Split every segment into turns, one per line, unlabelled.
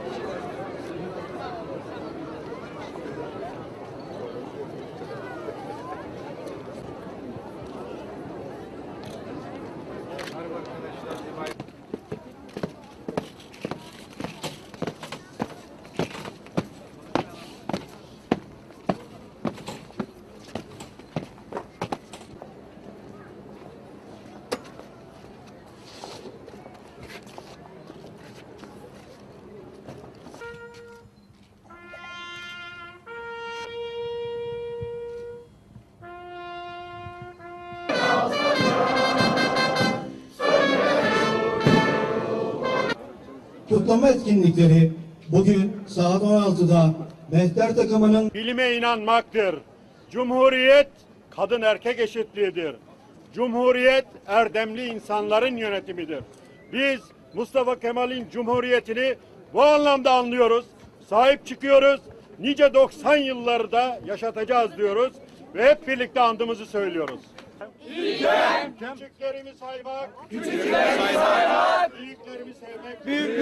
Kutlama etkinlikleri bugün saat 16'da Mehter takımının
bilime inanmaktır. Cumhuriyet kadın erkek eşitliğidir. Cumhuriyet erdemli insanların yönetimidir. Biz Mustafa Kemal'in Cumhuriyetini bu anlamda anlıyoruz. Sahip çıkıyoruz. Nice 90 yılları da yaşatacağız diyoruz ve hep birlikte andımızı söylüyoruz. İlkem. Küçüklerimi saymak, büyüklerimi sevmek,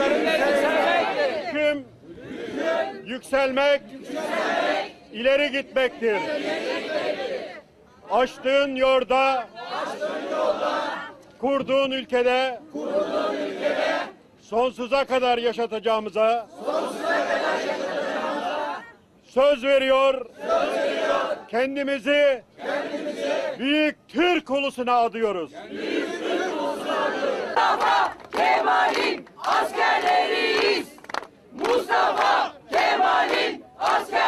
hüküm, yükselmek, ileri gitmektir. Açtığın yolda, kurduğun ülkede, sonsuza kadar yaşatacağımıza, söz veriyor, kendimizi büyük Türk ulusuna adıyoruz.
Mustafa Kemal'in askerleriyiz. Mustafa Kemal'in askerleriyiz.